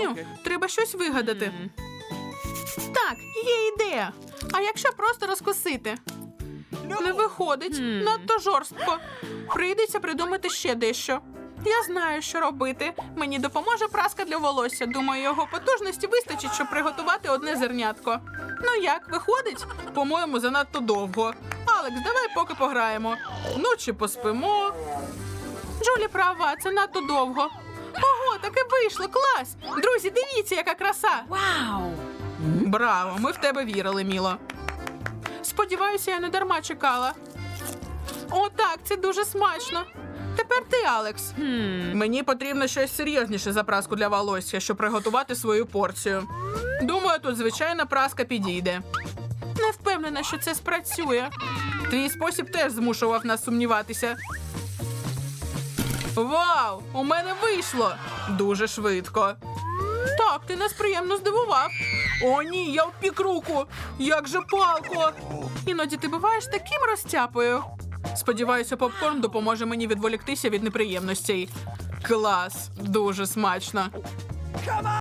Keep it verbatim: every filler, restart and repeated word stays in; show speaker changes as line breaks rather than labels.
Знаю, треба щось вигадати. Так, є ідея. А якщо просто розкусити? Не виходить, надто жорстко. Прийдеться придумати ще дещо. Я знаю, що робити. Мені допоможе праска для волосся. Думаю, його потужності вистачить, щоб приготувати одне зернятко. Ну як, виходить? По-моєму, занадто довго. Алекс, давай поки пограємо. Ну чи поспимо. Джулі права, це надто довго. Ого, таке вийшло, клас! Друзі, дивіться, яка краса!
Вау!
Браво, ми в тебе вірили, Міло. Сподіваюся, я не дарма чекала. О, так, це дуже смачно. Тепер ти, Алекс. Мені потрібно щось серйозніше за праску для волосся, щоб приготувати свою порцію. Думаю, тут звичайна праска підійде. Не впевнена, що це спрацює. Твій спосіб теж змушував нас сумніватися. Вау! У мене вийшло! Дуже швидко. Так, ти нас приємно здивував. О, ні, я впік руку. Як же палко. Іноді ти буваєш таким розтяпою. Сподіваюся, попкорн допоможе мені відволіктися від неприємностей. Клас, дуже смачно.